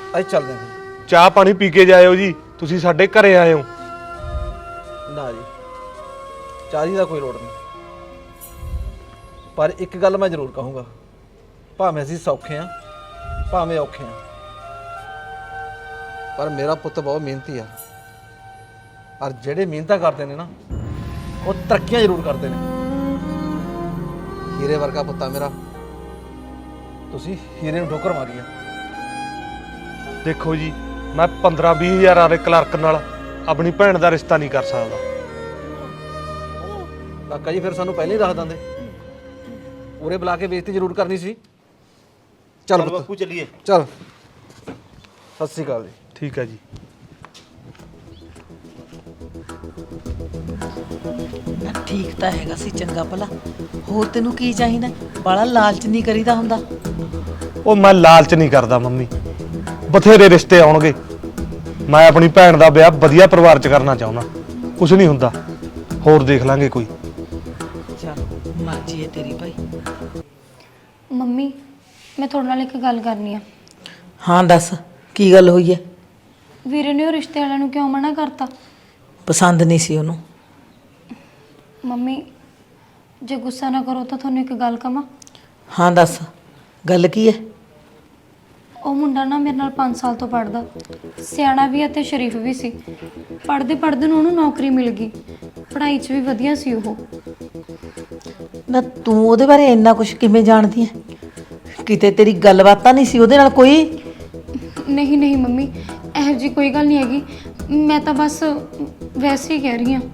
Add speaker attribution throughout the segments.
Speaker 1: ਅੱਜ ਚੱਲਦੇ ਹਾਂ।
Speaker 2: ਚਾਹ ਪਾਣੀ ਪੀ ਕੇ ਜਾਇਓ ਜੀ, ਤੁਸੀਂ ਸਾਡੇ ਘਰੇ ਆਏ ਹੋ।
Speaker 1: ਨਾ ਜੀ, ਚਾਹ ਦੀ ਦਾ ਕੋਈ ਲੋੜ ਨਹੀਂ, ਪਰ ਇੱਕ ਗੱਲ ਮੈਂ ਜ਼ਰੂਰ ਕਹੂੰਗਾ, ਭਾਵੇਂ ਅਸੀਂ ਸੌਖੇ ਹਾਂ ਭਾਵੇਂ ਔਖੇ ਹਾਂ, ਪਰ ਮੇਰਾ ਪੁੱਤ ਬਹੁਤ ਮਿਹਨਤੀ ਆ। ਔਰ ਜਿਹੜੇ ਮਿਹਨਤਾਂ ਕਰਦੇ ਨੇ ਨਾ ਉਹ ਤਰੱਕੀਆਂ ਜ਼ਰੂਰ ਕਰਦੇ ਨੇ। ਹੀਰੇ ਵਰਗਾ ਪੁੱਤਾ ਮੇਰਾ, ਤੁਸੀਂ ਹੀਰੇ ਨੂੰ ਠੋਕਰ ਮਾਰੀ ਆ।
Speaker 2: ਦੇਖੋ ਜੀ, ਮੈਂ 15-20 ਹਜ਼ਾਰ ਵਾਲੇ ਕਲਰਕ ਨਾਲ ਆਪਣੀ ਭੈਣ ਦਾ ਰਿਸ਼ਤਾ ਨਹੀਂ ਕਰ ਸਕਦਾ।
Speaker 1: ਕਾਕਾ ਜੀ ਫਿਰ ਸਾਨੂੰ ਪਹਿਲਾਂ ਹੀ ਦੱਸ ਦਿੰਦੇ, ਉਰੇ ਬੁਲਾ ਕੇ ਬੇਇੱਜ਼ਤੀ ਜ਼ਰੂਰ ਕਰਨੀ ਸੀ। ਚੱਲ
Speaker 3: ਬਾਪੂ ਚੱਲੀਏ।
Speaker 1: ਚੱਲ, ਸਤਿ ਸ਼੍ਰੀ ਅਕਾਲ ਜੀ।
Speaker 2: ਠੀਕ ਹੈ ਜੀ।
Speaker 4: ਠੀਕ ਤਾਂ ਹੈਗਾ ਸੀ, ਚੰਗਾ ਭਲਾ। ਹੋਰ ਤੈਨੂੰ ਕੀ ਚਾਹੀਦਾ? ਬਾਲਾ ਲਾਲਚ ਨਹੀਂ ਕਰੀਦਾ ਹੁੰਦਾ।
Speaker 2: ਉਹ ਮੈਂ ਲਾਲਚ ਨਹੀਂ ਕਰਦਾ ਮੰਮੀ, ਬਥੇਰੇ ਰਿਸ਼ਤੇ ਆਉਣਗੇ। ਮੈਂ ਆਪਣੀ ਭੈਣ ਦਾ ਵਿਆਹ ਵਧੀਆ ਪਰਿਵਾਰ 'ਚ ਕਰਨਾ ਚਾਹੁੰਦਾ। ਕੁਝ ਨਹੀਂ ਹੁੰਦਾ, ਹੋਰ ਦੇਖ ਲਾਂਗੇ ਕੋਈ।
Speaker 4: ਚਲ ਮਰਜ਼ੀ ਹੈ ਤੇਰੀ ਭਾਈ।
Speaker 5: ਮੰਮੀ, ਮੈਂ ਤੁਹਾਡੇ ਨਾਲ ਇੱਕ ਗੱਲ ਕਰਨੀ ਆ।
Speaker 4: ਹਾਂ ਦੱਸ, ਕੀ ਗੱਲ ਹੋਈ ਹੈ?
Speaker 5: ਵੀਰੇ ਨੇ ਉਹ ਰਿਸ਼ਤੇ ਵਾਲਿਆਂ ਨੂੰ ਕਿਉਂ ਮਨਾ ਕਰਤਾ?
Speaker 4: ਪਸੰਦ ਨਹੀਂ ਸੀ ਉਹਨੂੰ।
Speaker 5: ਮੰਮੀ, ਜੇ ਗੁੱਸਾ ਨਾ ਕਰੋ ਤਾਂ ਤੁਹਾਨੂੰ ਇੱਕ ਗੱਲ ਕਵਾਂ।
Speaker 4: ਹਾਂ ਦੱਸ, ਗੱਲ ਕੀ ਹੈ?
Speaker 5: ਉਹ ਮੁੰਡਾ ਨਾ ਮੇਰੇ ਨਾਲ 5 ਸਾਲ ਤੋਂ ਪੜ੍ਹਦਾ, ਸਿਆਣਾ ਵੀ ਅਤੇ ਸ਼ਰੀਫ ਵੀ ਸੀ। ਪੜ੍ਹਦੇ ਪੜ੍ਹਦੇ ਨੂੰ ਉਹਨੂੰ ਨੌਕਰੀ ਮਿਲ ਗਈ, ਪੜ੍ਹਾਈ 'ਚ ਵੀ ਵਧੀਆ ਸੀ ਉਹ।
Speaker 4: ਨਾ ਤੂੰ ਉਹਦੇ ਬਾਰੇ ਇੰਨਾ ਕੁਝ ਕਿਵੇਂ ਜਾਣਦੀ ਹੈ? ਕਿਤੇ ਤੇਰੀ ਗੱਲਬਾਤ ਤਾਂ ਨਹੀਂ ਸੀ ਉਹਦੇ ਨਾਲ ਕੋਈ?
Speaker 5: ਨਹੀਂ ਨਹੀਂ ਮੰਮੀ, ਇਹੋ ਜਿਹੀ ਕੋਈ ਗੱਲ ਨਹੀਂ ਹੈਗੀ, ਮੈਂ ਤਾਂ ਬਸ ਵੈਸੇ ਹੀ ਕਹਿ ਰਹੀ ਹਾਂ।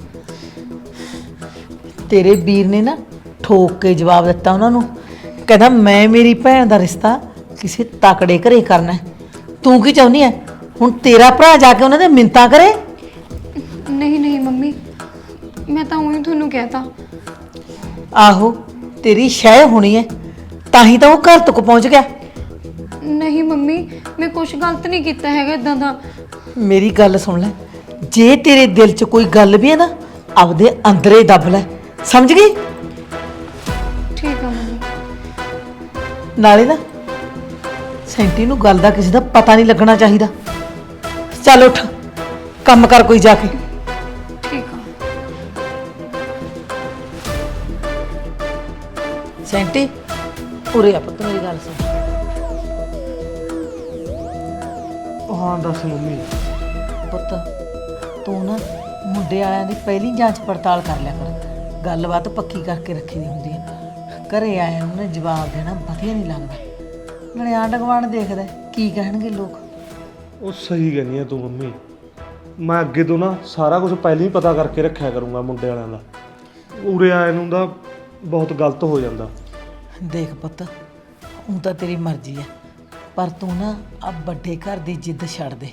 Speaker 4: ਤੇਰੇ ਵੀਰ ਨੇ ਨਾ ਠੋਕ ਕੇ ਜਵਾਬ ਦਿੱਤਾ ਉਹਨਾਂ ਨੂੰ, ਕਹਿੰਦਾ ਮੈਂ ਮੇਰੀ ਭੈਣ ਦਾ ਰਿਸ਼ਤਾ ਕਿਸੇ ਤਕੜੇ ਘਰੇ ਕਰਨਾ। ਤੂੰ ਕੀ ਚਾਹੁੰਦੀ ਹੈ ਹੁਣ? ਤੇਰਾ ਭਰਾ ਜਾ ਕੇ ਉਹਨਾਂ ਦੇ ਮਿੰਨਤਾਂ ਕਰੇ?
Speaker 5: ਨਹੀਂ ਨਹੀਂ ਮੰਮੀ, ਮੈਂ ਤਾਂ ਉਹੀ ਤੁਹਾਨੂੰ ਕਹਿਤਾ।
Speaker 4: ਆਹੋ, ਤੇਰੀ ਸ਼ੈ ਹੋਣੀ ਹੈ, ਤਾਂ ਹੀ ਤਾਂ ਉਹ ਘਰ ਤੱਕ ਪਹੁੰਚ ਗਿਆ।
Speaker 5: ਨਹੀਂ ਮੰਮੀ, ਮੈਂ ਕੁਝ ਗਲਤ ਨਹੀਂ ਕੀਤਾ ਹੈਗਾ ਇਦਾਂ ਦਾ।
Speaker 4: ਮੇਰੀ ਗੱਲ ਸੁਣ ਲੈ, ਜੇ ਤੇਰੇ ਦਿਲ 'ਚ ਕੋਈ ਗੱਲ ਵੀ ਹੈ ਨਾ, ਆਪਦੇ ਅੰਦਰੇ ਦੱਬ ਲੈ, ਸਮਝ ਗਈ?
Speaker 5: ਠੀਕ ਆ ਮੰਮੀ।
Speaker 4: ਨਾਲੇ ਨਾ ਸੈਂਟੀ ਨੂੰ ਗੱਲ ਦਾ ਕਿਸੇ ਦਾ ਪਤਾ ਨਹੀਂ ਲੱਗਣਾ ਚਾਹੀਦਾ। ਚੱਲ ਉੱਠ, ਕੰਮ ਕਰ ਕੋਈ ਜਾ ਕੇ।
Speaker 5: ਠੀਕ ਆ।
Speaker 4: ਸੈਂਟੀ, ਉਰੇ ਆ ਪੁੱਤ, ਮੇਰੀ ਗੱਲ ਸੁਣ।
Speaker 2: ਹਾਂ ਦੱਸ ਮੰਮੀ।
Speaker 4: ਪੁੱਤ, ਤੂੰ ਨਾ ਮੁੰਡੇ ਵਾਲਿਆਂ ਦੀ ਪਹਿਲੀ ਜਾਂਚ ਪੜਤਾਲ ਕਰ ਲਿਆ ਕਰ, ਗੱਲਬਾਤ ਪੱਕੀ ਕਰਕੇ ਰੱਖੀ ਦੀ ਹੁੰਦੀ ਹੈ। ਘਰੇ ਆਇਆ ਨੂੰ ਨਾ ਜਵਾਬ ਦੇਣਾ ਵਧੀਆ ਨਹੀਂ ਲੱਗਦਾ। ਨਾਲੇ ਆਂਢ ਗੁਆਂਢ ਦੇਖਦਾ ਕੀ ਕਹਿਣਗੇ ਲੋਕ।
Speaker 2: ਉਹ ਸਹੀ ਕਹਿੰਦੀ ਆ ਤੂੰ ਮੰਮੀ, ਮੈਂ ਅੱਗੇ ਤੋਂ ਨਾ ਸਾਰਾ ਕੁਝ ਪਹਿਲਾਂ ਹੀ ਪਤਾ ਕਰਕੇ ਰੱਖਿਆ ਕਰੂੰਗਾ ਮੁੰਡੇ ਵਾਲਿਆਂ ਦਾ। ਉਰੇ ਆਏ ਨੂੰ ਦਾ ਬਹੁਤ ਗਲਤ ਹੋ ਜਾਂਦਾ।
Speaker 4: ਦੇਖ ਪੁੱਤ, ਹੁਣ ਤਾਂ ਤੇਰੀ ਮਰਜ਼ੀ ਹੈ, ਪਰ ਤੂੰ ਨਾ ਆ ਵੱਡੇ ਘਰ ਦੀ ਜਿੱਦ ਛੱਡ ਦੇ।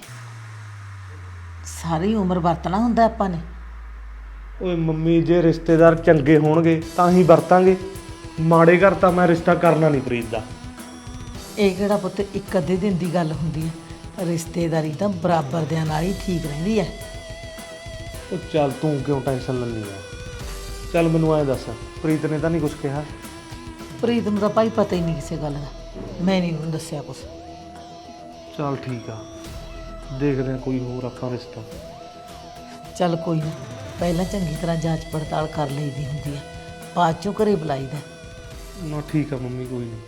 Speaker 4: ਸਾਰੀ ਉਮਰ ਵਰਤਣਾ ਹੁੰਦਾ ਆਪਾਂ ਨੇ।
Speaker 2: ਓਏ ਮੰਮੀ, ਜੇ ਰਿਸ਼ਤੇਦਾਰ ਚੰਗੇ ਹੋਣਗੇ ਤਾਂ ਹੀ ਵਰਤਾਂਗੇ, ਮਾੜੇ ਘਰ ਤਾਂ ਮੈਂ ਰਿਸ਼ਤਾ ਕਰਨਾ ਨਹੀਂ ਪ੍ਰੀਤ ਦਾ।
Speaker 4: ਇਹ ਕਿਹੜਾ ਪੁੱਤ ਇੱਕ ਅੱਧੇ ਦਿਨ ਦੀ ਗੱਲ ਹੁੰਦੀ ਹੈ, ਰਿਸ਼ਤੇਦਾਰੀ ਤਾਂ ਬਰਾਬਰ ਦਿਆਂ ਨਾਲ ਹੀ ਠੀਕ ਰਹਿੰਦੀ ਹੈ।
Speaker 2: ਉਹ ਚੱਲ ਤੂੰ ਕਿਉਂ ਟੈਨਸ਼ਨ ਲੈਂਦੀ ਆ? ਚੱਲ ਮੈਨੂੰ ਐਂ ਦੱਸ, ਪ੍ਰੀਤ ਨੇ ਤਾਂ ਨਹੀਂ ਕੁਝ ਕਿਹਾ?
Speaker 4: ਪ੍ਰੀਤ ਨੂੰ ਤਾਂ ਭਾਈ ਪਤਾ ਹੀ ਨਹੀਂ ਕਿਸੇ ਗੱਲ ਦਾ, ਮੈਂ ਨਹੀਂ ਉਹਨੂੰ ਦੱਸਿਆ ਕੁਛ।
Speaker 2: ਚੱਲ ਠੀਕ ਆ, ਦੇਖਦੇ ਹਾਂ ਕੋਈ ਹੋਰ ਆਪਾਂ ਰਿਸ਼ਤਾ।
Speaker 4: ਚੱਲ ਕੋਈ ਨਾ, ਪਹਿਲਾਂ ਚੰਗੀ ਤਰ੍ਹਾਂ ਜਾਂਚ ਪੜਤਾਲ ਕਰ ਲਈਦੀ ਹੁੰਦੀ ਹੈ, ਬਾਅਦ ਚੋਂ ਘਰੇ ਬੁਲਾਈਦਾ।
Speaker 2: ਨਾ ਠੀਕ ਆ ਮੰਮੀ, ਕੋਈ ਨਹੀਂ।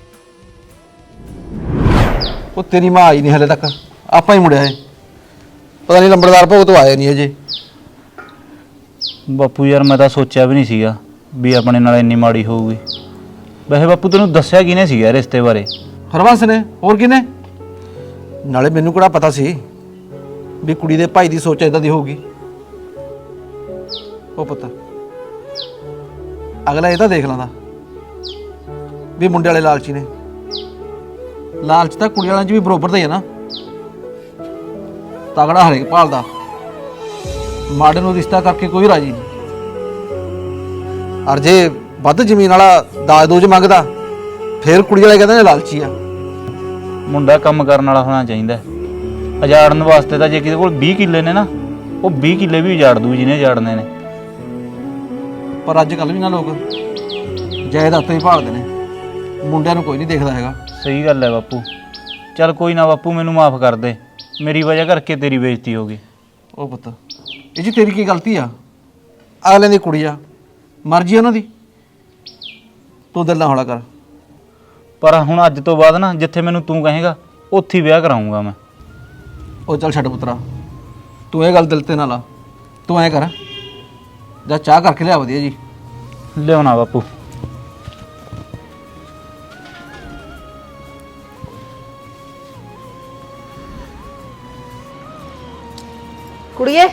Speaker 1: ਉਹ ਤੇਰੀ ਮਾਂ ਆਈ ਨਹੀਂ ਹਲੇ ਤੱਕ, ਆਪਾਂ ਹੀ ਮੁੜਿਆ ਏ। ਪਤਾ ਨਹੀਂ ਲੰਬੜਦਾਰ ਭੋਗ ਤੋਂ ਆਏ ਨਹੀਂ ਅਜੇ।
Speaker 3: ਬਾਪੂ ਯਾਰ, ਮੈਂ ਤਾਂ ਸੋਚਿਆ ਵੀ ਨਹੀਂ ਸੀਗਾ ਵੀ ਆਪਣੇ ਨਾਲ ਇੰਨੀ ਮਾੜੀ ਹੋਊਗੀ। ਵੈਸੇ ਬਾਪੂ ਤੈਨੂੰ ਦੱਸਿਆ ਕਿਹਨੇ ਸੀਗਾ ਰਿਸ਼ਤੇ ਬਾਰੇ?
Speaker 1: ਹਰਬੰਸ ਨੇ, ਹੋਰ ਕਿਹਨੇ? ਨਾਲੇ ਮੈਨੂੰ ਕਿਹੜਾ ਪਤਾ ਸੀ ਵੀ ਕੁੜੀ ਦੇ ਭਾਈ ਦੀ ਸੋਚ ਇਦਾਂ ਦੀ ਹੋਊਗੀ। ਉਹ ਪੁੱਤ, ਅਗਲਾ ਇਹ ਤਾਂ ਦੇਖ ਲੈਂਦਾ ਵੀ ਮੁੰਡੇ ਵਾਲੇ ਲਾਲਚੀ ਨੇ। ਲਾਲਚ ਤਾਂ ਕੁੜੀ ਵਾਲਿਆਂ 'ਚ ਵੀ ਬਰਾਬਰ ਦਾ ਹੀ ਹੈ ਨਾ। ਤਗੜਾ ਹਰੇਕ ਭਾਲਦਾ, ਮਾੜੇ ਨੂੰ ਰਿਸ਼ਤਾ ਕਰਕੇ ਕੋਈ ਰਾਜੀ ਨਹੀਂ। ਔਰ ਜੇ ਵੱਧ ਜ਼ਮੀਨ ਵਾਲਾ ਦਾਜ ਦੂਜ ਮੰਗਦਾ, ਫਿਰ ਕੁੜੀ ਵਾਲੇ ਕਹਿੰਦੇ ਨੇ ਲਾਲਚੀ ਆ।
Speaker 3: ਮੁੰਡਾ ਕੰਮ ਕਰਨ ਵਾਲਾ ਹੋਣਾ ਚਾਹੀਦਾ। ਉਜਾੜਨ ਵਾਸਤੇ ਤਾਂ ਜੇ ਕਿਸੇ ਕੋਲ 20 ਕਿੱਲੇ ਨੇ ਨਾ, ਉਹ 20 ਕਿੱਲੇ ਵੀ ਉਜਾੜ ਦੂ ਜਿਹਨੇ ਉਜਾੜਨੇ ਨੇ।
Speaker 1: ਪਰ ਅੱਜ ਕੱਲ੍ਹ ਵੀ ਨਾ ਲੋਕ ਜਾਇਦਾਦਾਂ ਹੀ ਭਾਲਦੇ ਨੇ, ਮੁੰਡਿਆਂ ਨੂੰ ਕੋਈ ਨਹੀਂ ਦੇਖਦਾ ਹੈਗਾ।
Speaker 3: ਸਹੀ ਗੱਲ ਹੈ ਬਾਪੂ। ਚੱਲ ਕੋਈ ਨਾ ਬਾਪੂ, ਮੈਨੂੰ ਮਾਫ ਕਰ ਦੇ, ਮੇਰੀ ਵਜ੍ਹਾ ਕਰਕੇ ਤੇਰੀ ਬੇਇੱਜ਼ਤੀ ਹੋ ਗਈ।
Speaker 1: ਉਹ ਪੁੱਤ, ਇਹ 'ਚ ਤੇਰੀ ਕੀ ਗਲਤੀ ਆ? ਅਗਲੇ ਦੀ ਕੁੜੀ ਆ, ਮਰਜ਼ੀ ਉਹਨਾਂ ਦੀ। ਤੂੰ ਦਿਲ ਨਾ ਹੌਲਾ ਕਰ।
Speaker 3: ਪਰ ਹੁਣ ਅੱਜ ਤੋਂ ਬਾਅਦ ਨਾ ਜਿੱਥੇ ਮੈਨੂੰ ਤੂੰ ਕਹੇਗਾ ਉੱਥੇ ਹੀ ਵਿਆਹ ਕਰਾਉਂਗਾ ਮੈਂ।
Speaker 1: ਉਹ ਚੱਲ ਛੱਡ ਪੁੱਤਰਾ, ਤੂੰ ਇਹ ਗੱਲ ਦਿਲ ਤੇ ਨਾ ਲਾ। ਤੂੰ ਐਂ ਕਰ, ਜਾ ਚਾਹ ਕਰਕੇ ਲਿਆ ਵਧੀਆ ਜੀ।
Speaker 3: ਲਿਆਉਣਾ ਬਾਪੂ।
Speaker 4: ਕੁੜੀਏ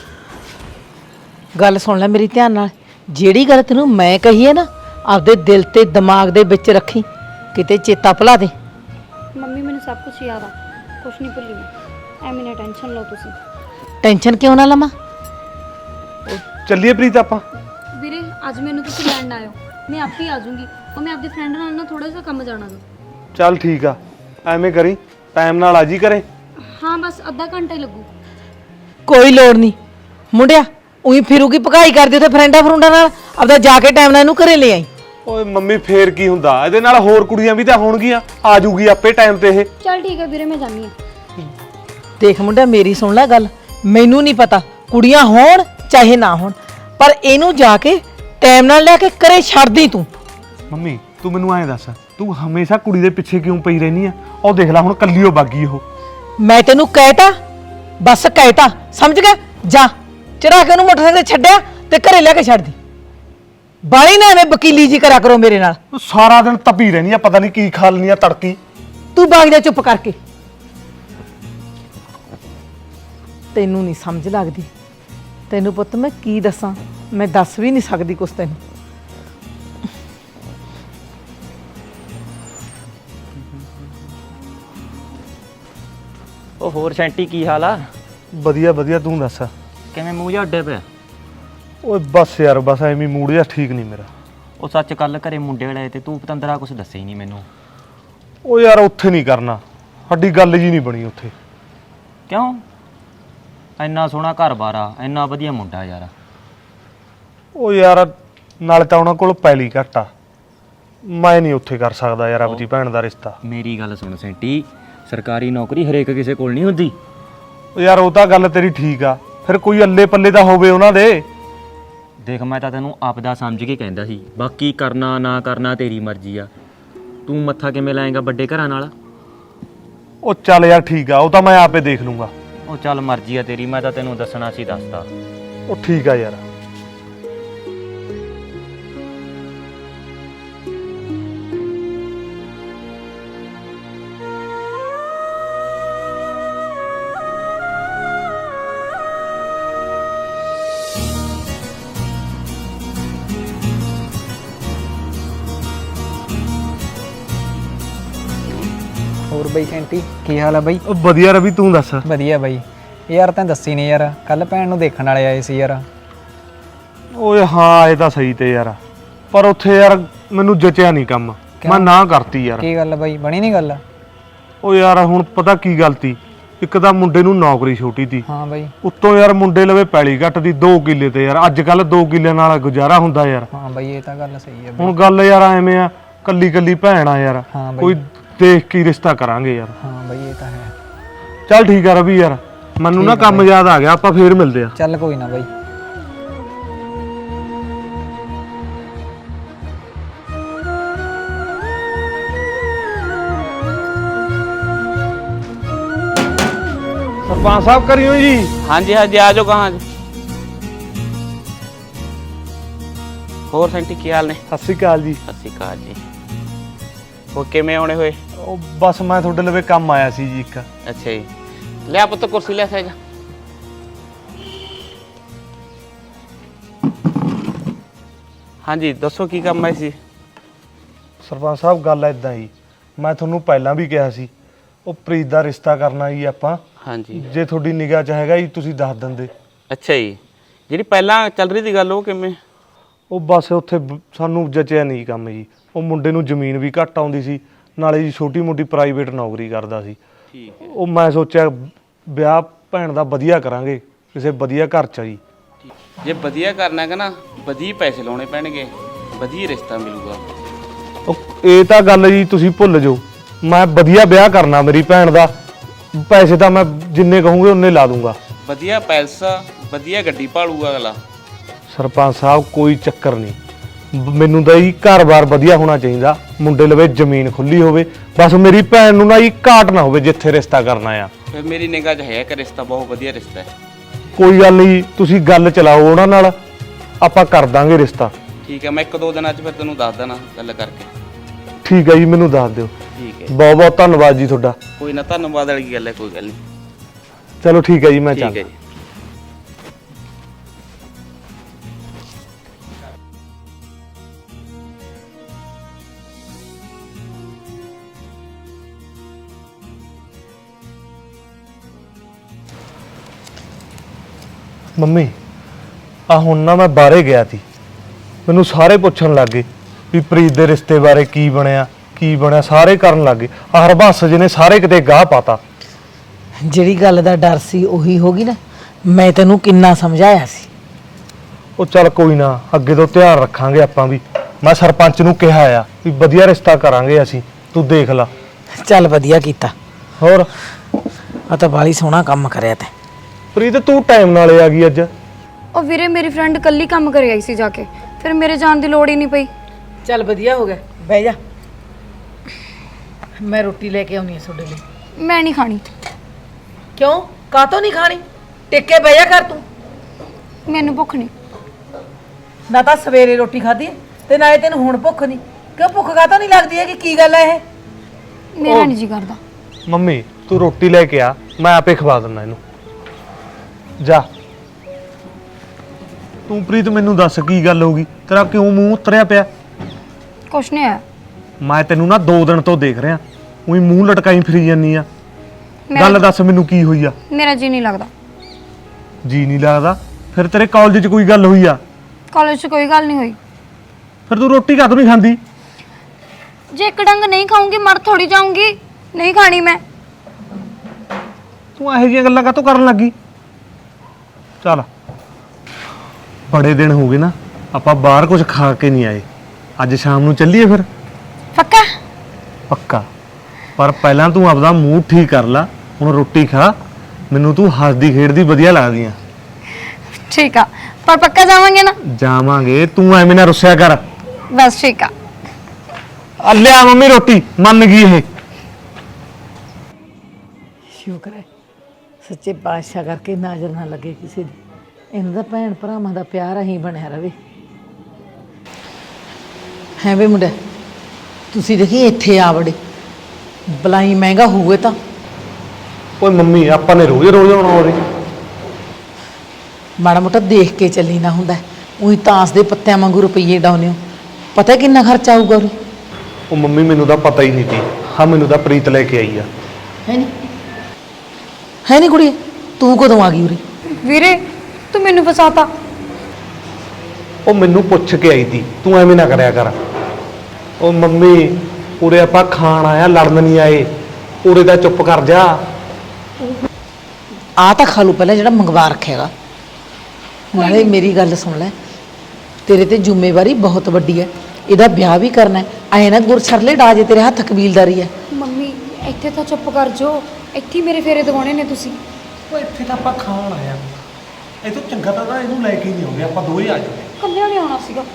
Speaker 4: ਗੱਲ ਸੁਣ ਲੈ ਮੇਰੀ ਧਿਆਨ ਨਾਲ। ਜਿਹੜੀ ਗੱਲ ਤੈਨੂੰ ਮੈਂ ਕਹੀ ਹੈ ਨਾ, ਆਪਦੇ ਦਿਲ ਤੇ ਦਿਮਾਗ ਦੇ ਵਿੱਚ ਰੱਖੀ, ਕਿਤੇ ਚੇਤਾ ਭੁਲਾ ਦੇ।
Speaker 5: ਮੰਮੀ ਮੈਨੂੰ ਸਭ ਕੁਝ ਯਾਦ ਆ, ਕੁਝ ਨਹੀਂ ਭੁੱਲੀ ਮੈਂ। ਐਵੇਂ ਨਾ ਟੈਨਸ਼ਨ ਲਓ ਤੁਸੀਂ।
Speaker 4: ਟੈਨਸ਼ਨ ਕਿਉਂ ਨਾ ਲਵਾਂ?
Speaker 2: ਚੱਲੀਏ ਪ੍ਰੀਤ ਆਪਾਂ।
Speaker 5: ਵੀਰੇ ਅੱਜ ਮੈਨੂੰ ਤੁਸੀਂ ਲੈਣ ਨਾ ਆਇਓ, ਮੈਂ ਆਪੇ ਆ ਜਾਊਂਗੀ। ਉਹ ਮੈਂ ਆਪਣੀ ਫਰੈਂਡ ਨਾਲ ਨਾ ਥੋੜਾ ਜਿਹਾ ਕੰਮ ਜਾਣਾ ਸੀ।
Speaker 2: ਚੱਲ ਠੀਕ ਆ, ਐਵੇਂ ਕਰੀ ਟਾਈਮ ਨਾਲ ਆ ਜੀ ਕਰੇ।
Speaker 5: ਹਾਂ ਬਸ ਅੱਧਾ ਘੰਟਾ ਹੀ ਲੱਗੂ।
Speaker 4: ਕੋਈ ਲੋੜ ਨਹੀਂ ਮੁੰਡਿਆ, ਉਹੀ ਫਿਰੂਗੀ ਭਕਾਈ ਕਰਦੀ ਉੱਥੇ ਫਰੈਂਡਾਂ ਫਰੁੰਡਾਂ ਨਾਲ। ਆਪਦਾ ਜਾ ਕੇ ਟਾਈਮ ਨਾਲ ਇਹਨੂੰ ਘਰੇ ਲੈ ਆਈ।
Speaker 2: ਓਏ ਮੰਮੀ ਫੇਰ ਕੀ ਹੁੰਦਾ, ਇਹਦੇ ਨਾਲ ਹੋਰ ਕੁੜੀਆਂ ਵੀ ਤਾਂ ਹੋਣਗੀਆਂ, ਆ ਜੂਗੀ ਆਪੇ ਟਾਈਮ ਤੇ ਇਹ।
Speaker 5: ਚੱਲ ਠੀਕ ਹੈ ਵੀਰੇ, ਮੈਂ ਜਾਂਦੀ ਹਾਂ।
Speaker 4: ਦੇਖ ਮੁੰਡਿਆ, ਮੇਰੀ ਸੁਣ ਲੈ ਗੱਲ। ਮੈਨੂੰ ਨਹੀਂ ਪਤਾ ਕੁੜੀਆਂ ਹੋਣ ਚਾਹੇ ਨਾ ਹੋਣ, ਪਰ ਇਹਨੂੰ ਜਾ ਕੇ ਟਾਈਮ ਨਾਲ ਲੈ ਕੇ ਘਰੇ ਛੱਡਦੀ ਤੂੰ।
Speaker 2: ਮੰਮੀ ਤੂੰ ਮੈਨੂੰ ਐਂ ਦੱਸ, ਤੂੰ ਹਮੇਸ਼ਾ ਕੁੜੀ ਦੇ ਪਿੱਛੇ ਕਿਉਂ ਪਈ ਰਹਿਨੀ ਆ? ਉਹ ਦੇਖ ਲੈ ਹੁਣ ਕੱਲੀ ਓ ਬਾਗੀ ਉਹ।
Speaker 4: ਮੈਂ ਤੈਨੂੰ ਕਹਿਤਾ, ਬਸ ਕਹਿਤਾ, ਸਮਝ ਗਿਆ? ਜਾ ਚੜਾ ਕੇ ਉਹਨੂੰ ਮੋਟਰਸਾਈਕਲ ਤੇ ਛੱਡਿਆ ਤੇ ਘਰੇ ਲੈ ਕੇ ਛੱਡਦੀ। ਬਾਲੀ ਨਾ ਐਵੇਂ ਵਕੀਲੀ ਜੀ ਕਰਿਆ ਕਰੋ ਮੇਰੇ ਨਾਲ।
Speaker 2: ਤੂੰ ਸਾਰਾ ਦਿਨ ਤਪੀ ਰਹਿਨੀ ਆ, ਪਤਾ ਨਹੀਂ ਕੀ ਖਾ ਲੈਨੀ ਆ ਤੜਕੀ।
Speaker 4: ਤੂੰ ਬਾਗ ਜਾ ਚੁੱਪ ਕਰਕੇ। ਤੈਨੂੰ ਨਹੀਂ ਸਮਝ ਲੱਗਦੀ। ਤੈਨੂੰ ਪੁੱਤ ਮੈਂ ਕੀ ਦੱਸਾਂ, ਮੈਂ ਦੱਸ ਵੀ ਨਹੀਂ ਸਕਦੀ ਕੁਛ ਤੈਨੂੰ।
Speaker 6: ਉਹ ਹੋਰ ਸੈਂਟੀ ਕੀ ਹਾਲ ਆ?
Speaker 2: ਵਧੀਆ ਵਧੀਆ, ਤੂੰ ਦੱਸ।
Speaker 6: ਕਿਵੇਂ ਮੂੰਹ ਜਿਹਾ ਅੱਡੇ ਪਿਆ?
Speaker 2: ਓਏ ਬਸ ਯਾਰ, ਬਸ ਐਵੇਂ ਮੂਡ ਜਿਹਾ ਠੀਕ ਨਹੀਂ ਮੇਰਾ।
Speaker 6: ਉਹ ਸੱਚ ਕੱਲ ਘਰੇ ਮੁੰਡੇ ਵਾਲੇ ਤੇ ਤੂੰ ਪਤੰਦਰਾ ਕੁਝ ਦੱਸਿਆ ਹੀ ਨਹੀਂ ਮੈਨੂੰ।
Speaker 2: ਉਹ ਯਾਰ ਉੱਥੇ ਨਹੀਂ ਕਰਨਾ, ਸਾਡੀ ਗੱਲ ਜੀ ਨਹੀਂ ਬਣੀ ਉੱਥੇ।
Speaker 6: ਕਿਉਂ? ਇੰਨਾ ਸੋਹਣਾ ਘਰ-ਬਾਰ ਆ, ਇੰਨਾ ਵਧੀਆ ਮੁੰਡਾ ਯਾਰ।
Speaker 2: ਉਹ ਯਾਰ ਨਾਲੇ ਤਾਂ ਉਹਨਾਂ ਕੋਲ ਪੈਲੀ ਘੱਟ ਆ, ਮੈਂ ਨਹੀਂ ਉੱਥੇ ਕਰ ਸਕਦਾ ਯਾਰ ਆਪਣੀ ਭੈਣ ਦਾ ਰਿਸ਼ਤਾ।
Speaker 6: ਮੇਰੀ ਗੱਲ ਸੁਣ ਸੈਂਟੀ, ਸਰਕਾਰੀ ਨੌਕਰੀ ਹਰੇਕ ਕਿਸੇ ਕੋਲ ਨਹੀਂ ਹੁੰਦੀ।
Speaker 2: ਉਹ ਯਾਰ ਉਹ ਤਾਂ ਗੱਲ ਤੇਰੀ ਠੀਕ ਆ, ਫਿਰ ਕੋਈ ਅੱਲੇ ਪੱਲੇ ਤਾਂ ਹੋਵੇ ਉਹਨਾਂ ਦੇ।
Speaker 6: ਦੇਖ ਮੈਂ ਤਾਂ ਤੈਨੂੰ ਆਪਦਾ ਸਮਝ ਕੇ ਕਹਿੰਦਾ ਸੀ, ਬਾਕੀ ਕਰਨਾ ਨਾ ਕਰਨਾ ਤੇਰੀ ਮਰਜ਼ੀ ਆ। ਤੂੰ ਮੱਥਾ ਕਿਵੇਂ ਲਾਏਗਾ ਵੱਡੇ ਘਰਾਂ ਨਾਲ?
Speaker 2: ਉਹ ਚੱਲ ਯਾਰ ਠੀਕ ਆ, ਉਹ ਤਾਂ ਮੈਂ ਆਪੇ ਦੇਖ ਲੂੰਗਾ।
Speaker 6: ਉਹ ਚੱਲ ਮਰਜ਼ੀ ਆ ਤੇਰੀ, ਮੈਂ ਤਾਂ ਤੈਨੂੰ ਦੱਸਣਾ ਸੀ ਦੱਸਤਾ।
Speaker 2: ਉਹ ਠੀਕ ਆ ਯਾਰ।
Speaker 7: ਹੋਰ ਬਈ ਸੈਂਟੀ ਕੀ ਹਾਲ ਆ ਬਈ?
Speaker 2: ਉਹ ਵਧੀਆ ਰਵੀ, ਤੂੰ ਦੱਸ।
Speaker 7: ਵਧੀਆ ਬਈ। ਯਾਰ ਤੈਨੂੰ ਦੱਸੀ ਨਹੀਂ ਯਾਰ, ਕੱਲ ਭੈਣ ਨੂੰ ਦੇਖਣ ਵਾਲੇ ਆਏ ਸੀ ਯਾਰ।
Speaker 2: ਓਏ ਹਾਂ ਇਹ ਤਾਂ ਸਹੀ ਤੇ ਯਾਰ, ਪਰ ਉੱਥੇ ਯਾਰ ਮੈਨੂੰ ਜਚਿਆ ਨਹੀਂ ਕੰਮ, ਮੈਂ ਨਾ ਕਰਤੀ ਯਾਰ।
Speaker 7: ਕੀ ਗੱਲ ਬਈ, ਬਣੀ ਨਹੀਂ ਗੱਲ?
Speaker 2: ਉਹ ਯਾਰ ਹੁਣ ਪਤਾ ਕੀ ਗਲਤੀ, ਇੱਕ ਤਾਂ ਮੁੰਡੇ ਨੂੰ ਨੌਕਰੀ ਛੋਟੀ ਤੀ,
Speaker 7: ਹਾਂ ਬਈ।
Speaker 2: ਉੱਤੋਂ ਯਾਰ ਮੁੰਡੇ ਲਵੇ ਪੈਲੀ ਘੱਟ ਦੀ 2 ਕਿੱਲੇ ਤੇ ਯਾਰ ਅੱਜ ਕੱਲ 2 ਕਿੱਲਿਆਂ ਨਾਲ ਗੁਜ਼ਾਰਾ ਹੁੰਦਾ ਯਾਰ।
Speaker 7: ਹਾਂ ਬਈ ਇਹ ਤਾਂ ਗੱਲ ਸਹੀ ਹੈ ਬਈ।
Speaker 2: ਹੁਣ ਗੱਲ ਯਾਰ ਐਵੇਂ ਆ, ਕੱਲੀ ਕੱਲੀ ਭੈਣ ਆ ਯਾਰ,
Speaker 7: ਹਾਂ ਬਈ।
Speaker 2: ਕੋਈ ਦੇਖ ਕੇ ਹੀ ਰਿਸ਼ਤਾ ਕਰਾਂਗੇ ਯਾਰ।
Speaker 7: ਹਾਂ ਬਈ ਇਹ ਤਾਂ ਹੈ।
Speaker 2: ਚੱਲ ਠੀਕ ਆ ਰਵੀ ਯਾਰ, ਮੈਨੂੰ ਨਾ ਕੰਮ ਯਾਦ ਆ ਗਿਆ, ਆਪਾਂ ਫੇਰ ਮਿਲਦੇ ਆ।
Speaker 7: ਚੱਲ ਕੋਈ ਨਾ ਬਈ।
Speaker 2: ਸਰਪੰਚ ਸਾਹਿਬ ਕਰਿਓ ਜੀ।
Speaker 3: हाँ जी हाँ जी, आ जाओ। कहाँ?
Speaker 8: ਹੋਰ ਸੈਂਟੀ ਕੀ ਹਾਲ ਨੇ?
Speaker 2: ਸਤਿ ਸ਼੍ਰੀ ਅਕਾਲ ਜੀ।
Speaker 8: ਸਤਿ ਸ਼੍ਰੀ ਅਕਾਲ ਜੀ। ਉਹ ਕਿਵੇਂ ਆਉਣੇ ਹੋਏ?
Speaker 2: ਉਹ ਬਸ ਮੈਂ ਤੁਹਾਡੇ ਲਵੇ ਕੰਮ ਆਇਆ ਸੀ ਜੀ ਇੱਕ।
Speaker 8: ਅੱਛਾ ਜੀ, ਲਿਆ ਪੁੱਤ ਕੁਰਸੀ ਲੈ ਸਹਿਜਾ। ਹਾਂਜੀ ਦੱਸੋ ਕੀ ਕੰਮ ਆਏ ਸੀ?
Speaker 2: ਸਰਪੰਚ ਸਾਹਿਬ ਗੱਲ ਇਦਾਂ ਜੀ, ਮੈਂ ਤੁਹਾਨੂੰ ਪਹਿਲਾਂ ਵੀ ਕਿਹਾ ਸੀ, ਉਹ ਪ੍ਰੀਤ ਦਾ ਰਿਸ਼ਤਾ ਕਰਨਾ ਜੀ ਆਪਾਂ।
Speaker 8: ਹਾਂਜੀ,
Speaker 2: ਜੇ ਤੁਹਾਡੀ ਨਿਗਾਹ 'ਚ ਹੈਗਾ ਜੀ ਤੁਸੀਂ ਦੱਸ ਦਿੰਦੇ।
Speaker 8: ਅੱਛਾ ਜੀ, ਜਿਹੜੀ ਪਹਿਲਾਂ ਚੱਲ ਰਹੀ ਦੀ ਗੱਲ ਉਹ ਕਿਵੇਂ?
Speaker 2: ਉਹ ਬਸ ਉੱਥੇ ਸਾਨੂੰ ਜਚਿਆ ਨਹੀਂ ਕੰਮ ਜੀ। ਉਹ ਮੁੰਡੇ ਨੂੰ ਜ਼ਮੀਨ ਵੀ ਘੱਟ ਆਉਂਦੀ ਸੀ, ਨਾਲੇ ਜੀ ਛੋਟੀ ਮੋਟੀ ਪ੍ਰਾਈਵੇਟ ਨੌਕਰੀ ਕਰਦਾ ਸੀ।
Speaker 8: ਠੀਕ ਹੈ।
Speaker 2: ਉਹ ਮੈਂ ਸੋਚਿਆ ਵਿਆਹ ਭੈਣ ਦਾ ਵਧੀਆ ਕਰਾਂਗੇ ਕਿਸੇ ਵਧੀਆ ਘਰ 'ਚ ਜੀ।
Speaker 8: ਜੇ ਵਧੀਆ ਕਰਨਾ ਹੈਗਾ ਨਾ, ਵਧੀਆ ਪੈਸੇ ਲਾਉਣੇ ਪੈਣਗੇ, ਵਧੀਆ ਰਿਸ਼ਤਾ ਮਿਲੂਗਾ।
Speaker 2: ਉਹ ਇਹ ਤਾਂ ਗੱਲ ਜੀ ਤੁਸੀਂ ਭੁੱਲ ਜਾਓ, ਮੈਂ ਵਧੀਆ ਵਿਆਹ ਕਰਨਾ ਮੇਰੀ ਭੈਣ ਦਾ। ਪੈਸੇ ਤਾਂ ਮੈਂ ਜਿੰਨੇ ਕਹੂੰਗੇ ਉਨੇ ਲਾ ਦੂੰਗਾ।
Speaker 8: ਵਧੀਆ ਪੈਸਾ, ਵਧੀਆ ਗੱਡੀ ਭਾਲੂਗਾ ਅਗਲਾ।
Speaker 2: ਸਰਪੰਚ ਸਾਹਿਬ ਕੋਈ ਚੱਕਰ ਨਹੀਂ, ਮੈਨੂੰ ਤਾਂ ਹੀ ਘਰ-ਬਾਰ ਵਧੀਆ ਹੋਣਾ ਚਾਹੀਦਾ, ਮੁੰਡੇ ਲਵੇ ਜ਼ਮੀਨ ਖੁੱਲੀ ਹੋਵੇ, ਬਸ ਮੇਰੀ ਭੈਣ ਨੂੰ ਨਾ ਹੀ ਘਾਟ ਨਾ ਹੋਵੇ ਜਿੱਥੇ ਰਿਸ਼ਤਾ ਕਰਨਾ ਆ।
Speaker 8: ਫਿਰ ਮੇਰੀ ਨਿਗਾਹ 'ਚ ਹੈ ਕਿ ਰਿਸ਼ਤਾ ਬਹੁਤ ਵਧੀਆ ਰਿਸ਼ਤਾ ਹੈ।
Speaker 2: ਕੋਈ ਗੱਲ ਨਹੀਂ, ਤੁਸੀਂ ਗੱਲ ਚਲਾਓ ਉਹਨਾਂ ਨਾਲ, ਆਪਾਂ ਕਰ ਦਾਂਗੇ ਰਿਸ਼ਤਾ।
Speaker 8: ਠੀਕ ਹੈ, ਮੈਂ 1-2 ਦਿਨਾਂ 'ਚ ਫਿਰ ਤੈਨੂੰ ਦੱਸ ਦੇਣਾ ਗੱਲ ਕਰਕੇ।
Speaker 2: ਠੀਕ ਹੈ ਜੀ, ਮੈਨੂੰ ਦੱਸ ਦਿਓ।
Speaker 8: ਠੀਕ ਹੈ,
Speaker 2: ਬਹੁਤ ਬਹੁਤ ਧੰਨਵਾਦ ਜੀ ਤੁਹਾਡਾ।
Speaker 8: ਕੋਈ ਨਾ, ਧੰਨਵਾਦ ਵਾਲੀ ਗੱਲ ਹੈ, ਕੋਈ ਗੱਲ ਨਹੀਂ।
Speaker 2: ਚਲੋ ਠੀਕ ਹੈ ਜੀ, ਮੈਂ
Speaker 8: ਠੀਕ ਹੈ
Speaker 2: ਚੱਲਦਾ।
Speaker 8: ਜੀ।
Speaker 2: ਮੰਮੀ ਆ ਹੁਣ ਨਾ ਮੈਂ ਬਾਹਰੇ ਗਿਆ ਸੀ, ਮੈਨੂੰ ਸਾਰੇ ਪੁੱਛਣ ਲੱਗੇ ਵੀ ਪ੍ਰੀਤ ਦੇ ਰਿਸ਼ਤੇ ਬਾਰੇ ਕੀ ਬਣਿਆ ਕੀ ਬਣਿਆ, ਸਾਰੇ ਕਰਨ ਲੱਗੇ। ਆਹ ਹਰਬੰਸ ਜੀ ਨੇ ਸਾਰੇ ਕਿਤੇ ਗਾਹ ਪਾਤਾ।
Speaker 4: ਜਿਹੜੀ ਗੱਲ ਦਾ ਡਰ ਸੀ ਉਹੀ ਹੋ ਗਈ ਨਾ। ਮੈਂ ਤੈਨੂੰ ਕਿੰਨਾ ਸਮਝਾਇਆ ਸੀ।
Speaker 2: ਉਹ ਚੱਲ ਕੋਈ ਨਾ, ਅੱਗੇ ਤੋਂ ਧਿਆਨ ਰੱਖਾਂਗੇ ਆਪਾਂ ਵੀ। ਮੈਂ ਸਰਪੰਚ ਨੂੰ ਕਿਹਾ ਆ ਵੀ ਵਧੀਆ ਰਿਸ਼ਤਾ ਕਰਾਂਗੇ ਅਸੀਂ, ਤੂੰ ਦੇਖ ਲਾ।
Speaker 4: ਚੱਲ ਵਧੀਆ ਕੀਤਾ।
Speaker 2: ਹੋਰ
Speaker 4: ਆ ਤਾਂ ਬਾਲੀ ਸੋਹਣਾ ਕੰਮ ਕਰਿਆ ਤੈਂ।
Speaker 2: ਪ੍ਰੀਤ ਤੂੰ ਟਾਈਮ ਨਾਲ ਆ ਗਈ ਅੱਜ।
Speaker 5: ਉਹ ਵੀਰੇ ਮੇਰੀ ਫਰੈਂਡ ਕੱਲੀ ਕੰਮ ਕਰ ਆਈ ਸੀ ਜਾ ਕੇ, ਫਿਰ ਮੇਰੇ ਜਾਣ ਦੀ ਲੋੜ ਹੀ ਨਹੀਂ ਪਈ।
Speaker 4: ਚੱਲ ਵਧੀਆ ਹੋ ਗਿਆ, ਬਹਿ ਜਾ। ਮੈਂ ਰੋਟੀ ਲੈ ਕੇ ਆਉਣੀ ਹੈ ਤੁਹਾਡੇ ਲਈ।
Speaker 5: ਮੈਂ ਨਹੀਂ ਖਾਣੀ।
Speaker 4: ਕਿਉਂ? ਕਾਤੋਂ ਨਹੀਂ ਖਾਣੀ? ਟਿੱਕੇ ਬਹਿ ਜਾ ਕਰ ਤੂੰ।
Speaker 5: ਮੈਨੂੰ ਭੁੱਖ ਨਹੀਂ।
Speaker 4: ਨਾ ਤਾਂ ਸਵੇਰੇ ਰੋਟੀ ਖਾਧੀ ਤੇ ਨਾਲੇ ਤੈਨੂੰ ਹੁਣ ਭੁੱਖ ਨਹੀਂ। ਕਿਉਂ ਭੁੱਖ ਕਾਤੋਂ ਨਹੀਂ ਲੱਗਦੀ ਹੈ? ਕਿ ਕੀ ਗੱਲ ਹੈ ਇਹ?
Speaker 5: ਮੇਰਾ ਨਹੀਂ ਜੀ ਕਰਦਾ।
Speaker 2: ਮੰਮੀ ਤੂੰ ਰੋਟੀ ਲੈ ਕੇ ਆ, ਮੈਂ ਆਪੇ ਖਵਾ ਦਿੰਦਾ ਇਹਨੂੰ। ਜਾ ਤੂੰ ਪ੍ਰੀਤ ਮੈਨੂੰ ਦੱਸ ਕੀ ਗੱਲ ਹੋ ਗਈ, ਤੇਰਾ ਕਿਉਂ ਮੂੰਹ ਉਤਰਿਆ ਪਿਆ?
Speaker 5: ਕੁਛ ਨਹੀਂ ਹੈ।
Speaker 2: ਮੈਂ ਤੈਨੂੰ ਨਾ 2 ਦਿਨ ਤੋਂ ਦੇਖ ਰਿਹਾ, ਉਹੀ ਮੂੰਹ ਲਟਕਾਈ ਫਿਰੀ ਜਾਨੀ ਆ।
Speaker 5: ਮੇਰਾ-
Speaker 2: ਗੱਲ ਦੱਸ ਮੈਨੂੰ ਕੀ ਹੋਈ ਆ?
Speaker 5: ਮੇਰਾ ਜੀ ਨਹੀਂ ਲੱਗਦਾ।
Speaker 2: ਜੀ ਨਹੀਂ ਲੱਗਦਾ? ਫਿਰ ਤੇਰੇ ਕਾਲਜ 'ਚ ਕੋਈ ਗੱਲ ਹੋਈ ਆ?
Speaker 5: ਕਾਲਜ 'ਚ ਕੋਈ ਗੱਲ ਨਹੀਂ ਹੋਈ।
Speaker 2: ਫਿਰ ਤੂੰ ਰੋਟੀ ਕਾਹਤੋਂ ਨਹੀਂ ਖਾਂਦੀ?
Speaker 5: ਜੇ ਇੱਕ ਡੰਗ ਨਹੀਂ ਖਾਊਂਗੀ ਮਰ ਥੋੜੀ ਜਾਊਂਗੀ। ਨਹੀਂ ਖਾਣੀ ਮੈਂ।
Speaker 2: ਤੂੰ ਇਹੋ ਜਿਹੀਆਂ ਗੱਲਾਂ ਕਾਹਤੋਂ ਕਰਨ ਲੱਗੀ? ਚੱਲ ਬੜੇ ਦਿਨ ਹੋ ਗਏ ਨਾ, ਆਪਾਂ ਬਾਹਰ ਕੁਝ ਖਾ ਕੇ ਨਹੀਂ ਆਏ। ਅੱਜ ਸ਼ਾਮ ਨੂੰ ਚੱਲੀਏ ਫਿਰ?
Speaker 5: ਪੱਕਾ?
Speaker 2: ਪੱਕਾ। ਪਰ ਪਹਿਲਾਂ ਤੂੰ ਆਪਦਾ ਮੂਡ ਠੀਕ ਕਰ ਲੈ, ਹੁਣ ਰੋਟੀ ਖਾ। ਮੈਨੂੰ ਤੂੰ ਹੱਸਦੀ ਖੇਡਦੀ ਵਧੀਆ ਲੱਗਦੀ ਆ।
Speaker 5: ਠੀਕ ਆ, ਪਰ ਪੱਕਾ ਜਾਵਾਂਗੇ ਨਾ?
Speaker 2: ਜਾਵਾਂਗੇ, ਤੂੰ ਐਵੇਂ ਨਾ ਰੁੱਸਿਆ ਕਰ।
Speaker 5: ਬਸ ਠੀਕ ਆ।
Speaker 2: ਆ ਲਿਆ ਮੰਮੀ ਰੋਟੀ, ਮੰਨ ਗਈ ਇਹ।
Speaker 4: ਸ਼ੁਕਰ ਹੈ ਸੱਚੇ ਪਾਤਸ਼ਾਹ ਕਰਕੇ ਨਜ਼ਰ ਨਾ ਲੱਗੇ ਕਿਸੇ ਦੀ। ਇਹਨਾਂ ਦਾ ਭੈਣ ਭਰਾਵਾਂ ਦਾ ਪਿਆਰ ਅਸੀਂ ਬਣਿਆ ਰਵੇ। ਹੈ ਵੇ ਮੁੰਡਾ, ਤੁਸੀਂ ਦੇਖੀ ਇੱਥੇ ਆ ਵੜੇ। ਬਲਾਈ ਮਹਿੰਗਾ ਹੋਵੇ ਤਾਂ।
Speaker 2: ਓਏ ਮੰਮੀ ਆਪਾਂ ਨੇ ਰੋਜ਼ ਰੋਜ਼ ਆਉਣਾ ਉਹਦੇ।
Speaker 4: ਮਾੜਾ ਮੋਟਾ ਦੇਖ ਕੇ ਚੱਲੀ ਨਾ ਹੁੰਦਾ। ਉਹੀ ਤਾਂਸ ਦੇ ਪੱਤਿਆਂ ਵਾਂਗੂ ਰੁਪਈਏ ਡਾਉਨੇ ਹੋ। ਪਤਾ ਕਿੰਨਾ ਖਰਚਾ ਆਊਗਾ ਉਰੇ?
Speaker 2: ਉਹ ਮੰਮੀ ਮੈਨੂੰ ਤਾਂ ਪਤਾ ਹੀ ਨਹੀਂ ਸੀ। ਹਾਂ ਮੈਨੂੰ ਤਾਂ ਪ੍ਰੀਤ ਲੈ ਕੇ ਆਈ ਆ।
Speaker 4: ਹੈ ਨਹੀਂ? ਹੈ ਨਹੀਂ ਕੁੜੀ? ਤੂੰ ਕਦੋਂ ਆ ਗਈ ਉਰੇ?
Speaker 5: ਵੀਰੇ ਤੂੰ ਮੈਨੂੰ ਫਸਾਤਾ।
Speaker 2: ਉਹ ਮੈਨੂੰ ਪੁੱਛ ਕੇ ਆਈ ਤੀ, ਤੂੰ ਐਵੇਂ ਨਾ ਕਰਿਆ ਕਰ। ਉਹ ਮੰਮੀ ਉਰੇ ਆਪਾਂ ਖਾਣ ਆਇਆ, ਲੜਨ ਨਹੀਂ ਆਏ। ਉਰੇ ਦਾ ਚੁੱਪ ਕਰ ਜਾ।
Speaker 4: ਆ ਤਾਂ ਖਾ ਲੂ ਪਹਿਲਾਂ ਜਿਹੜਾ ਮੰਗਵਾ ਰੱਖੇਗਾ। ਨਾਲੇ ਮੇਰੀ ਗੱਲ ਸੁਣ ਲੈ, ਤੇਰੇ ਤੇ ਜ਼ਿੰਮੇਵਾਰੀ ਬਹੁਤ ਵੱਡੀ ਹੈ। ਇਹਦਾ ਵਿਆਹ ਵੀ ਕਰਨਾ ਹੈ। ਐ ਨਾ ਗੁਰਛਰਲੇ ਡਾ ਜੇ ਤੇਰੇ ਹੱਥ ਕਬੀਲਦਾਰੀ ਹੈ।
Speaker 5: ਮੰਮੀ ਇੱਥੇ ਤਾਂ ਚੁੱਪ ਕਰ ਜੋ। ਇੱਥੇ ਮੇਰੇ ਫੇਰੇ ਦਵਾਉਣੇ ਨੇ ਤੁਸੀਂ।
Speaker 2: ਉਹ ਇੱਥੇ ਤਾਂ ਆਪਾਂ ਖਾਣ ਆਇਆ, ਇਹ ਤੋਂ ਚੰਗਾ ਤਾਂ ਇਹਨੂੰ ਲੈ ਕੇ ਨਹੀਂ ਆਉਂਦੇ, ਆਪਾਂ ਦੋਵੇਂ ਆ ਜਾਓ।
Speaker 5: ਕੱਲਿਆਂ ਨੇ ਆਉਣਾ ਸੀਗਾ।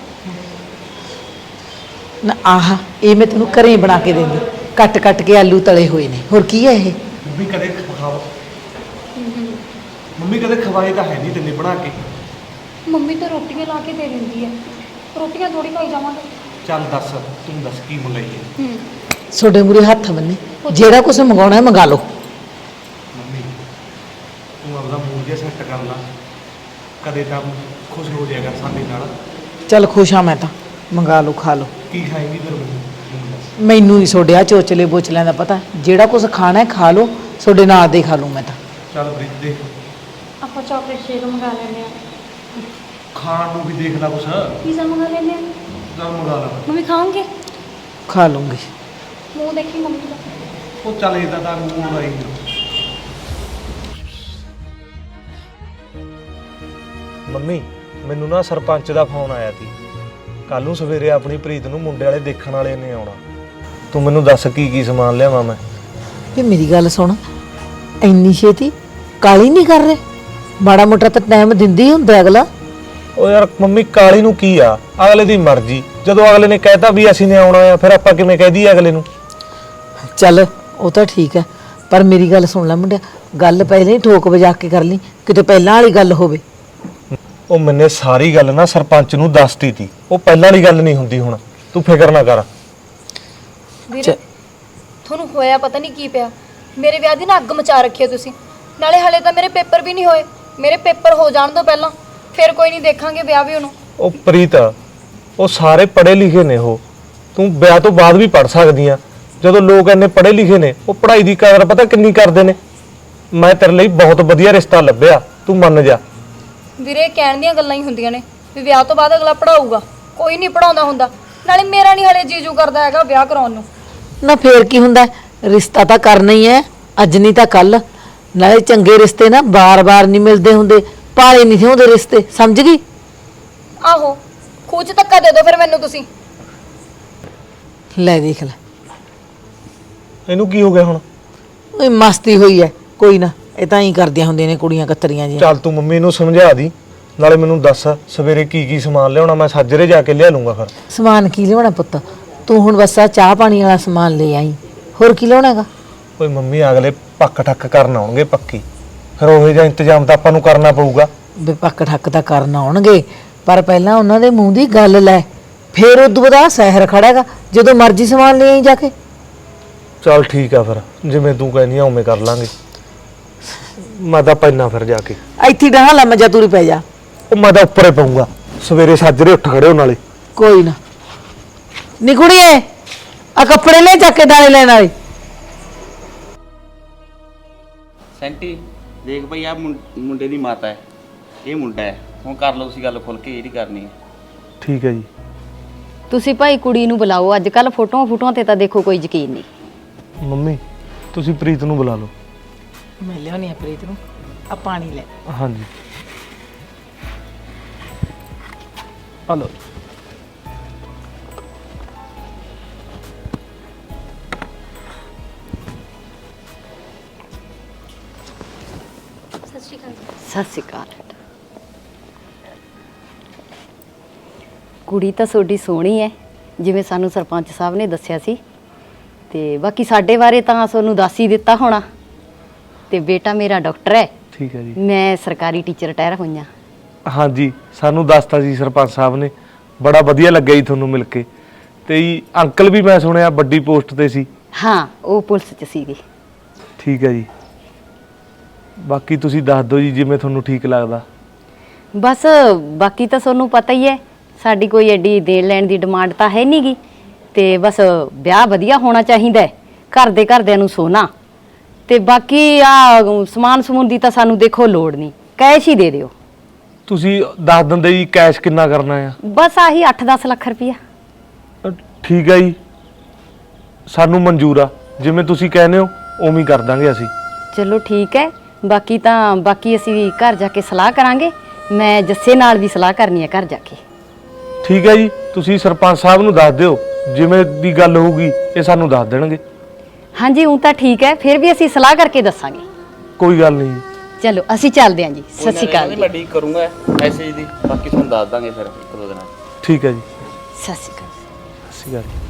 Speaker 4: ਨਾ ਆਹ ਇਹ ਮੈਂ ਤੈਨੂੰ ਘਰੇ ਬਣਾ ਕੇ ਦਿੰਦੀ, ਕੱਟ ਕੱਟ ਕੇ ਆਲੂ ਤਲੇ ਹੋਏ ਨੇ। ਹੋਰ ਕੀ ਹੈ ਇਹ?
Speaker 2: ਮੰਮੀ ਕਦੇ ਖਾਓ, ਮੰਮੀ ਕਦੇ ਖਵਾਏ ਤਾਂ ਹੈ ਨਹੀਂ ਤੈਨੇ ਬਣਾ ਕੇ।
Speaker 5: ਮੰਮੀ ਤਾਂ ਰੋਟੀਆਂ ਲਾ ਕੇ ਦੇ ਦਿੰਦੀ ਹੈ, ਰੋਟੀਆਂ ਥੋੜੀ ਖਾਈ ਜਾਵਾਂਗੇ।
Speaker 2: ਚੱਲ ਦੱਸ, ਤੂੰ ਦੱਸ ਕੀ ਮੰਗਾਈਏ?
Speaker 4: ਤੁਹਾਡੇ ਮੂਰੇ ਹੱਥ ਬੰਨੇ, ਜਿਹੜਾ ਕੁਝ ਮੰਗਾਉਣਾ ਹੈ ਮੰਗਾ ਲਓ।
Speaker 2: ਮੰਮੀ ਤੂੰ ਆਪਦਾ ਮੂਡ ਜਿਹਾ ਸੈੱਟ ਕਰ ਲਾ, ਕਦੇ ਤਾਂ ਖੁਸ਼ ਹੋ ਜਾਇਆ ਕਰ ਸਾਡੇ ਨਾਲ।
Speaker 4: ਚੱਲ ਖੁਸ਼ ਹਾਂ ਮੈਂ ਤਾਂ। ਮੰਗਾ ਲਓ, ਖਾ ਲਓ।
Speaker 2: ਕੀ ਖਾਏਂਗੀ ਫਿਰ ਮੈਨੂੰ ਦੱਸ।
Speaker 4: ਮੈਨੂੰ ਨਹੀਂ ਛੋੜਿਆ ਚੋਚਲੇ ਬੋਚਲਿਆਂ ਦਾ ਪਤਾ। ਜਿਹੜਾ ਕੁਝ ਖਾਣਾ ਹੈ ਖਾ ਲਓ, ਤੁਹਾਡੇ ਨਾਲ ਦੇ ਖਾ ਲੂੰ ਮੈਂ ਤਾਂ।
Speaker 2: ਚੱਲ ਪ੍ਰੀਤ ਦੇਖ,
Speaker 5: ਆਪਾਂ ਚਾਕਲੇਟ ਸ਼ੇਕ ਮੰਗਾ ਲੈਂਦੇ ਆ।
Speaker 2: ਖਾਣ ਨੂੰ ਵੀ ਦੇਖ ਲਾ ਕੁਛ।
Speaker 5: ਪੀਜ਼ਾ ਮੰਗਾ ਲੈਂਦੇ ਆ।
Speaker 2: ਚੱਲ ਮੰਗਾ ਲਾ।
Speaker 5: ਮੰਮੀ ਖਾਓਗੇ?
Speaker 4: ਖਾ ਲੂੰਗੀ।
Speaker 5: ਮੂੰਹ ਦੇਖੀ ਮੰਮੀ ਦਾ।
Speaker 2: ਉਹ ਚੱਲ ਇਹਦਾ ਤਾਂ ਮੂਡ ਆਈ ਨਾ। ਮੰਮੀ ਮੈਨੂੰ ਨਾ ਸਰਪੰਚ ਦਾ ਫੋਨ ਆਇਆ ਸੀ, ਕੱਲ ਨੂੰ ਸਵੇਰੇ ਆਪਣੀ ਪ੍ਰੀਤ ਨੂੰ ਮੁੰਡੇ ਵਾਲੇ ਦੇਖਣ ਵਾਲੇ ਨੇ ਆਉਣਾ। ਤੂੰ ਮੈਨੂੰ ਦੱਸ ਕੀ ਸਮਾਨ ਲਿਆਵਾਂ ਮੈਂ।
Speaker 4: ਵੀ ਮੇਰੀ ਗੱਲ ਸੁਣ, ਇੰਨੀ ਛੇਤੀ ਕਾਲੀ ਨਹੀਂ ਕਰ ਰਹੇ? ਮਾੜਾ ਮੋਟਾ ਤਾਂ ਟਾਈਮ ਦਿੰਦੇ ਹੀ ਹੁੰਦਾ ਅਗਲਾ।
Speaker 2: ਓ ਯਾਰ ਮੰਮੀ ਕਾਲੀ ਨੂੰ ਕੀ ਆ, ਅਗਲੇ ਦੀ ਮਰਜ਼ੀ। ਜਦੋਂ ਅਗਲੇ ਨੇ ਕਹਿਤਾ ਵੀ ਅਸੀਂ ਨੇ ਆਉਣਾ ਆ, ਫਿਰ ਆਪਾਂ ਕਿਵੇਂ ਕਹਿ ਦਈਏ ਅਗਲੇ ਨੂੰ?
Speaker 4: ਚੱਲ ਉਹ ਤਾਂ ਠੀਕ ਹੈ, ਪਰ ਮੇਰੀ ਗੱਲ ਸੁਣ ਲੈ ਮੁੰਡਿਆ, ਗੱਲ ਪਹਿਲਾਂ ਹੀ ਠੋਕ ਵਜਾ ਕੇ ਕਰ ਲਈ, ਕਿਤੇ ਪਹਿਲਾਂ ਵਾਲੀ ਗੱਲ ਹੋਵੇ।
Speaker 2: ਉਹ ਮੈਨੇ ਸਾਰੀ ਗੱਲ ਨਾ ਸਰਪੰਚ ਨੂੰ ਦੱਸਤੀ ਤੀ, ਉਹ ਪਹਿਲਾਂ ਵਾਲੀ ਗੱਲ ਨਹੀਂ ਹੁੰਦੀ ਹੁਣ, ਤੂੰ ਫਿਕਰ ਨਾ ਕਰ।
Speaker 5: ਵੀਰੇ ਤੁਹਾਨੂੰ ਹੋਇਆ ਪਤਾ ਨਹੀਂ ਕੀ ਪਿਆ, ਮੇਰੇ ਵਿਆਹ ਦੀ ਨਾ ਅੱਗ ਮਚਾ ਰੱਖੀ ਹੈ ਤੁਸੀਂ। ਨਾਲੇ ਹਲੇ ਤਾਂ ਮੇਰੇ ਪੇਪਰ ਵੀ ਨਹੀਂ ਹੋਏ, ਮੇਰੇ ਪੇਪਰ ਹੋ ਜਾਣ ਤੋਂ ਪਹਿਲਾਂ ਫਿਰ ਕੋਈ ਨਹੀਂ ਦੇਖਾਂਗੇ ਵਿਆਹ ਵੀ ਉਹਨੂੰ।
Speaker 2: ਉਹ ਪ੍ਰੀਤ, ਉਹ ਸਾਰੇ ਪੜ੍ਹੇ ਲਿਖੇ ਨੇ, ਉਹ ਤੂੰ ਵਿਆਹ ਤੋਂ ਬਾਅਦ ਵੀ ਪੜ੍ਹ ਸਕਦੀ ਆ। ਜਦੋਂ ਲੋਕ ਇੰਨੇ ਪੜ੍ਹੇ ਲਿਖੇ ਨੇ, ਉਹ ਪੜ੍ਹਾਈ ਦੀ ਕਦਰ ਪਤਾ ਕਿੰਨੀ ਕਰਦੇ ਨੇ। ਮੈਂ ਤੇਰੇ ਲਈ ਬਹੁਤ ਵਧੀਆ ਰਿਸ਼ਤਾ ਲੱਭਿਆ, ਤੂੰ ਮੰਨ ਜਾ।
Speaker 5: ਵੀਰੇ ਕਹਿਣ ਦੀਆਂ ਗੱਲਾਂ ਹੀ ਹੁੰਦੀਆਂ ਨੇ ਵੀ ਵਿਆਹ ਤੋਂ ਬਾਅਦ ਅਗਲਾ ਪੜਾਊਗਾ, ਕੋਈ ਨਹੀਂ ਪੜਾਉਂਦਾ ਹੁੰਦਾ। ਨਾਲੇ ਮੇਰਾ ਨਹੀਂ ਹਲੇ ਜੀਜੂ ਕਰਦਾ ਹੈਗਾ ਵਿਆਹ ਕਰਾਉਣ ਨੂੰ।
Speaker 4: ਨਾ ਫੇਰ ਕੀ ਹੁੰਦਾ, ਰਿਸ਼ਤਾ ਤਾਂ ਕਰਨਾ ਹੀ ਹੈ, ਅੱਜ ਨਹੀਂ ਤਾਂ ਕੱਲ। ਨਾਲੇ ਚੰਗੇ ਰਿਸ਼ਤੇ ਨਾ ਬਾਰ-ਬਾਰ ਨਹੀਂ ਮਿਲਦੇ ਹੁੰਦੇ, ਪਾਲੇ ਨਹੀਂ ਹੁੰਦੇ ਰਿਸ਼ਤੇ, ਸਮਝ ਗਈ?
Speaker 5: ਆਹੋ, ਖੂਹ 'ਚ ਧੱਕਾ ਦੇ ਦਿਓ ਫਿਰ ਮੈਨੂੰ ਤੁਸੀਂ।
Speaker 4: ਲੈ ਦੇਖ ਲੈ,
Speaker 2: ਇਹਨੂੰ ਕੀ ਹੋ ਗਿਆ ਹੁਣ?
Speaker 4: ਉਹ ਮਸਤੀ ਹੋਈ ਹੈ, ਕੋਈ ਨਾ, ਇਹ ਤਾਂ ਹੀ ਕਰਦੀਆਂ ਹੁੰਦੀਆਂ ਨੇ ਕੁੜੀਆਂ ਕਤਰੀਆਂ ਜੀ।
Speaker 2: ਚੱਲ ਤੂੰ ਮੰਮੀ ਨੂੰ ਸਮਝਾ ਦੀ, ਨਾਲੇ ਮੈਨੂੰ ਦੱਸ ਸਵੇਰੇ ਕੀ ਸਮਾਨ ਲਿਆਉਣਾ, ਮੈਂ ਸਾਜਰੇ ਜਾ ਕੇ ਲਿਆ ਲੂੰਗਾ। ਫਿਰ
Speaker 4: ਸਮਾਨ ਕੀ ਲਿਆਉਣਾ ਪੁੱਤ, ਤੂੰ ਹੁਣ ਬਸ ਆ ਚਾਹ ਪਾਣੀ ਵਾਲਾ ਸਮਾਨ ਲੈ ਆਈ, ਹੋਰ ਕੀ ਲਿਆਉਣਾ ਹੈਗਾ?
Speaker 2: ਓਏ ਮੰਮੀ ਅਗਲੇ ਪੱਕ ਠੱਕ ਕਰਨ ਆਉਣਗੇ ਪੱਕੀ, ਫਿਰ ਉਹੋ ਜਿਹਾ ਇੰਤਜ਼ਾਮ ਤਾਂ ਆਪਾਂ ਨੂੰ ਕਰਨਾ ਪਊਗਾ।
Speaker 4: ਵੀ ਪੱਕ ਠੱਕ ਤਾਂ ਕਰਨ ਆਉਣਗੇ, ਪਰ ਪਹਿਲਾਂ ਉਹਨਾਂ ਦੇ ਮੂੰਹ ਦੀ ਗੱਲ ਲੈ, ਫੇਰ ਉਦੋਂ ਬਾਅਦ ਸਹਿਰ ਖੜਾਗਾ, ਜਦੋਂ ਮਰਜ਼ੀ ਸਮਾਨ ਲੈ ਆਈ ਜਾ ਕੇ।
Speaker 2: ਚੱਲ ਠੀਕ ਆ, ਫਿਰ ਜਿਵੇਂ ਤੂੰ ਕਹਿੰਦੀ ਆ ਉਵੇਂ ਕਰ ਲਾਂਗੇ। ਮੈਂ ਤਾਂ ਪੈਣਾ ਫਿਰ ਜਾ ਕੇ।
Speaker 4: ਇੱਥੇ ਡਾਹ ਲਾ, ਮਜਾ ਤੂਰੀ ਪੈ ਜਾ।
Speaker 2: ਉਹ ਮੈਂ ਤਾਂ ਉੱਪਰੇ ਪਾਉਂਗਾ, ਸਵੇਰੇ ਸਾਜਰੇ ਉੱਠ ਖੜਿਓ ਨਾਲੇ।
Speaker 4: ਕੋਈ ਨਾ ਨੀ ਕੁੜੀਏ, ਆ ਕੱਪੜੇ ਲੈ ਚੱਕ ਕੇ ਦਾਣੇ ਲੈਣ ਵਾਲੇ।
Speaker 8: ਸੈਂਟੀ ਦੇਖ ਭਈ ਆ ਮੁੰਡੇ ਦੀ ਮਾਤਾ ਹੈ, ਇਹ ਮੁੰਡਾ ਹੈ। ਹੁਣ ਕਰ ਲਓ ਤੁਸੀਂ ਗੱਲ ਖੁੱਲ ਕੇ, ਜਿਹੜੀ ਕਰਨੀ ਹੈ।
Speaker 2: ਠੀਕ ਹੈ ਜੀ।
Speaker 9: ਤੁਸੀਂ ਭਾਈ ਕੁੜੀ ਨੂੰ ਬੁਲਾਓ, ਅੱਜ ਕੱਲ ਫੋਟੋਆਂ ਤੇ ਤਾਂ ਦੇਖੋ ਕੋਈ ਯਕੀਨ ਨਹੀਂ।
Speaker 2: ਮੰਮੀ ਤੁਸੀਂ ਪ੍ਰੀਤ ਨੂੰ ਬੁਲਾ ਲਓ।
Speaker 4: ਮੈਂ ਲਿਆਉਣੀ ਆ ਪ੍ਰੀਤ ਨੂੰ, ਆ ਪਾਣੀ ਲੈ।
Speaker 2: ਹਾਂਜੀ ਹਲੋ।
Speaker 9: ਸਤਿ ਸ਼੍ਰੀ ਅਕਾਲ। ਕੁੜੀ ਤਾਂ ਤੁਹਾਡੀ ਸੋਹਣੀ ਹੈ, ਜਿਵੇਂ ਸਾਨੂੰ ਸਰਪੰਚ ਸਾਹਿਬ ਨੇ ਦੱਸਿਆ ਸੀ, ਤੇ ਬਾਕੀ ਸਾਡੇ ਬਾਰੇ ਤਾਂ ਤੁਹਾਨੂੰ ਦੱਸ ਹੀ ਦਿੱਤਾ ਹੋਣਾ। ਤੇ ਬੇਟਾ ਮੇਰਾ ਡਾਕਟਰ ਹੈ।
Speaker 2: ਠੀਕ ਹੈ ਜੀ।
Speaker 9: ਮੈਂ ਸਰਕਾਰੀ ਟੀਚਰ ਰਿਟਾਇਰ ਹੋਈਆਂ।
Speaker 2: ਹਾਂਜੀ ਸਾਨੂੰ ਦੱਸਤਾ ਸੀ ਸਰਪੰਚ ਸਾਹਿਬ ਨੇ, ਬੜਾ ਵਧੀਆ ਲੱਗਿਆ ਜੀ ਤੁਹਾਨੂੰ ਮਿਲ ਕੇ। ਤੇ ਜੀ ਅੰਕਲ ਵੀ ਮੈਂ ਸੁਣਿਆ ਵੱਡੀ ਪੋਸਟ ਤੇ ਸੀ।
Speaker 9: ਹਾਂ, ਉਹ ਪੁਲਿਸ 'ਚ ਸੀਗੇ।
Speaker 2: ਠੀਕ ਹੈ ਜੀ। ਬਾਕੀ ਤੁਸੀਂ ਦੱਸ ਦਿਓ ਜੀ ਜਿਵੇਂ ਤੁਹਾਨੂੰ ਠੀਕ ਲੱਗਦਾ।
Speaker 9: ਬਸ ਬਾਕੀ ਤਾਂ ਤੁਹਾਨੂੰ ਪਤਾ ਹੀ ਹੈ, ਸਾਡੀ ਕੋਈ ਐਡੀ ਦੇਣ ਲੈਣ ਦੀ ਡਿਮਾਂਡ ਤਾਂ ਹੈ ਨਹੀਂਗੀ। ਤੇ ਬਸ ਵਿਆਹ ਵਧੀਆ ਹੋਣਾ ਚਾਹੀਦਾ ਹੈ, ਘਰਦਿਆਂ ਨੂੰ ਸੋਨਾ। ਤੇ ਬਾਕੀ ਆ ਸਮਾਨ ਸਮੂਨ ਦੀ ਤਾਂ ਸਾਨੂੰ ਦੇਖੋ ਲੋੜ ਨਹੀਂ, ਕੈਸ਼ ਹੀ ਦੇ ਦਿਓ।
Speaker 2: ਤੁਸੀਂ ਦੱਸ ਦਿੰਦੇ ਜੀ ਕੈਸ਼ ਕਿੰਨਾ ਕਰਨਾ ਆ?
Speaker 9: ਬਸ ਆਹੀ 8-10 ਲੱਖ ਰੁਪਈਆ।
Speaker 2: ਠੀਕ ਹੈ ਜੀ, ਸਾਨੂੰ ਮਨਜ਼ੂਰ ਆ, ਜਿਵੇਂ ਤੁਸੀਂ ਕਹਿੰਦੇ ਹੋ ਉਵੇਂ ਹੀ ਕਰ ਦਾਂਗੇ ਅਸੀਂ।
Speaker 9: ਚਲੋ ਠੀਕ ਹੈ। ਬਾਕੀ ਅਸੀਂ ਘਰ ਜਾ ਕੇ ਸਲਾਹ ਕਰਾਂਗੇ। ਮੈਂ ਜੱਸੇ ਨਾਲ ਵੀ ਸਲਾਹ ਕਰਨੀ ਹੈ ਘਰ ਜਾ ਕੇ।
Speaker 2: ਠੀਕ ਹੈ ਜੀ, ਤੁਸੀਂ ਸਰਪੰਚ ਸਾਹਿਬ ਨੂੰ ਦੱਸ ਦਿਓ, ਜਿਵੇਂ ਦੀ ਗੱਲ ਹੋਊਗੀ ਇਹ ਸਾਨੂੰ ਦੱਸ ਦੇਣਗੇ।
Speaker 9: ਹਾਂਜੀ ਉਹ ਤਾਂ ਠੀਕ ਹੈ, ਫਿਰ ਵੀ ਅਸੀਂ ਸਲਾਹ ਕਰਕੇ ਦੱਸਾਂਗੇ।
Speaker 2: ਕੋਈ ਗੱਲ ਨਹੀਂ ਜੀ।
Speaker 9: ਚਲੋ ਅਸੀਂ ਚੱਲਦੇ ਹਾਂ ਜੀ। ਸਤਿ ਸ਼੍ਰੀ ਅਕਾਲ ਜੀ।
Speaker 8: ਮੈਂ ਡੀਕ ਕਰੂੰਗਾ ਮੈਸੇਜ ਦੀ, ਬਾਕੀ ਤੁਹਾਨੂੰ ਦੱਸ ਦਾਂਗੇ ਫਿਰ ਇੱਕ ਦੋ ਦਿਨਾਂ 'ਚ।
Speaker 2: ਠੀਕ ਹੈ ਜੀ।
Speaker 9: ਸਤਿ ਸ਼੍ਰੀ ਅਕਾਲ।
Speaker 2: ਸਤਿ ਸ਼੍ਰੀ ਅਕਾਲ।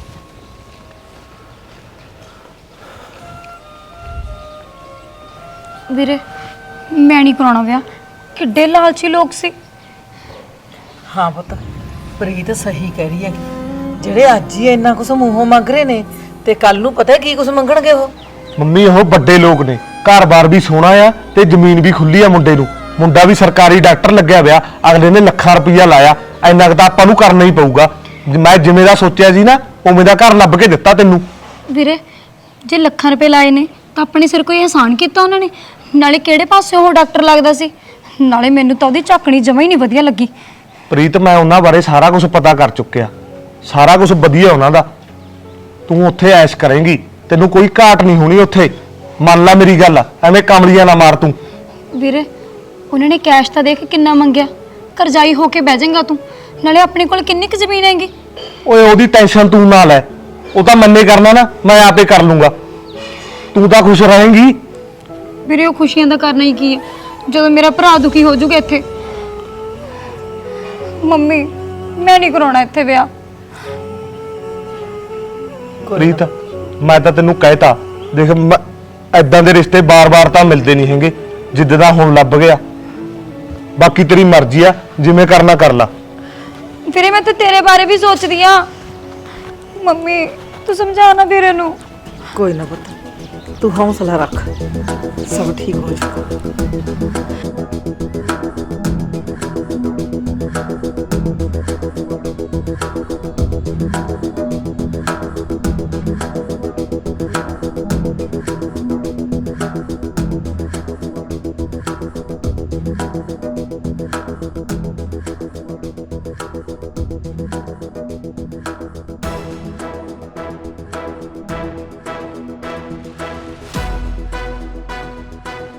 Speaker 5: ਵੀਰੇ ਮੈਂ ਨਹੀਂ ਕਰਾਉਣਾ ਵਿਆਹ, ਕਿੱਡੇ ਲਾਲਚੀ ਲੋਕ ਸੀ।
Speaker 4: ਹਾਂ ਪੁੱਤ, ਪ੍ਰੀਤ ਸਹੀ ਕਹਿ ਰਹੀ ਹੈ, ਜਿਹੜੇ ਅੱਜ ਹੀ ਇੰਨਾ ਕੁਝ ਮੂੰਹੋਂ ਮੰਗ ਰਹੇ ਨੇ, ਤੇ ਕੱਲ ਨੂੰ ਪਤਾ ਕੀ ਕੁਝ ਮੰਗਣਗੇ ਉਹ।
Speaker 2: ਮੰਮੀ ਉਹ ਵੱਡੇ ਲੋਕ ਨੇ, ਘਰ-ਬਾਰ ਵੀ ਸੋਹਣਾ ਆ ਤੇ ਜ਼ਮੀਨ ਵੀ ਖੁੱਲੀ ਆ ਮੁੰਡੇ ਨੂੰ। ਮੁੰਡਾ ਵੀ ਸਰਕਾਰੀ ਡਾਕਟਰ ਲੱਗਿਆ ਹੋਇਆ, ਅਗਲੇ ਨੇ ਲੱਖਾਂ ਰੁਪਈਆ ਲਾਇਆ। ਇੰਨਾ ਕੁ ਤਾਂ ਆਪਾਂ ਨੂੰ ਕਰਨਾ ਹੀ ਪਊਗਾ। ਮੈਂ ਜਿਵੇਂ ਦਾ ਸੋਚਿਆ ਸੀ ਨਾ, ਉਵੇਂ ਦਾ ਘਰ ਲੱਭ ਕੇ ਦਿੱਤਾ ਤੈਨੂੰ।
Speaker 5: ਵੀਰੇ ਜੇ ਲੱਖਾਂ ਰੁਪਏ ਲਾਏ ਨੇ ਤਾਂ ਆਪਣੇ ਸਿਰ ਕੋਈ ਅਹਿਸਾਨ ਕੀਤਾ ਉਹਨਾਂ ਨੇ। ਨਾਲੇ ਕਿਹੜੇ ਪਾਸੇ ਉਹ ਡਾਕਟਰ ਲੱਗਦਾ ਸੀ, ਨਾਲੇ ਮੈਨੂੰ ਤਾਂ ਉਹਦੀ ਝਾਕਣੀ ਜਮਾਂ ਹੀ ਨਹੀਂ ਵਧੀਆ ਲੱਗੀ।
Speaker 2: ਪ੍ਰੀਤ ਮੈਂ ਉਹਨਾਂ ਬਾਰੇ ਸਾਰਾ ਕੁਝ ਪਤਾ ਕਰ ਚੁੱਕਿਆ, ਸਾਰਾ ਕੁਝ ਵਧੀਆ ਉਹਨਾਂ ਦਾ। ਤੂੰ ਉੱਥੇ ਐਸ਼ ਕਰੇਂਗੀ, ਤੈਨੂੰ ਕੋਈ ਘਾਟ ਨਹੀਂ ਹੋਣੀ ਉੱਥੇ। ਮੰਨ ਲੈ ਮੇਰੀ ਗੱਲ, ਐਵੇਂ ਕਮਲੀਆਂ ਨਾ ਮਾਰ ਤੂੰ।
Speaker 5: ਵੀਰੇ ਉਹਨਾਂ ਨੇ ਕੈਸ਼ ਤਾਂ ਦੇਖ ਕਿੰਨਾ ਮੰਗਿਆ, ਕਰਜ਼ਾਈ ਹੋ ਕੇ ਬਹਿ ਜਾਏਗਾ ਤੂੰ। ਨਾਲੇ ਆਪਣੇ ਕੋਲ ਕਿੰਨੀ ਕੁ ਜ਼ਮੀਨ ਹੈਗੀ।
Speaker 2: ਓਏ ਉਹਦੀ ਟੈਨਸ਼ਨ ਤੂੰ ਨਾ ਲੈ, ਉਹ ਤਾਂ ਮੰਨੇ ਕਰਨਾ ਨਾ, ਮੈਂ ਆਪੇ ਕਰ ਲੂੰਗਾ। ਤੂੰ ਤਾਂ ਖੁਸ਼ ਰਹੇਂਗੀ।
Speaker 5: ਵੀਰੇ ਉਹ ਖੁਸ਼ੀਆਂ ਦਾ ਕਰਨਾ ਹੀ ਕੀ ਹੈ ਜਦੋਂ ਮੇਰਾ ਭਰਾ ਦੁਖੀ ਹੋ ਜਾਊਗਾ ਇੱਥੇ। ਮੰਮੀ ਮੈਂ ਨਹੀਂ ਕਰਾਉਣਾ ਇੱਥੇ ਵਿਆਹ।
Speaker 2: ਪ੍ਰੀਤ ਮੈਂ ਤਾਂ ਤੈਨੂੰ ਕਹਿਤਾ, ਦੇਖ ਐਦਾਂ ਦੇ ਰਿਸ਼ਤੇ ਬਾਰ-ਬਾਰ ਤਾਂ ਮਿਲਦੇ ਨਹੀਂ ਹੈਗੇ ਜਿੱਦਾਂ ਦਾ ਹੁਣ ਲੱਭ ਗਿਆ। ਬਾਕੀ ਤੇਰੀ ਮਰਜ਼ੀ ਆ, ਜਿਵੇਂ ਕਰਨਾ ਕਰ ਲਾ।
Speaker 5: ਵੀਰੇ ਮੈਂ ਤਾਂ ਤੇਰੇ ਬਾਰੇ ਵੀ ਸੋਚਦੀ ਆ। ਮੰਮੀ ਤੂੰ ਸਮਝਾ ਨਾ ਵੀਰੇ ਨੂੰ।
Speaker 4: ਕੋਈ ਨਾ ਪੁੱਤ, ਤੂੰ ਹੌਸਲਾ ਰੱਖ, ਸਭ ਠੀਕ ਹੋ ਜਾਊਗਾ।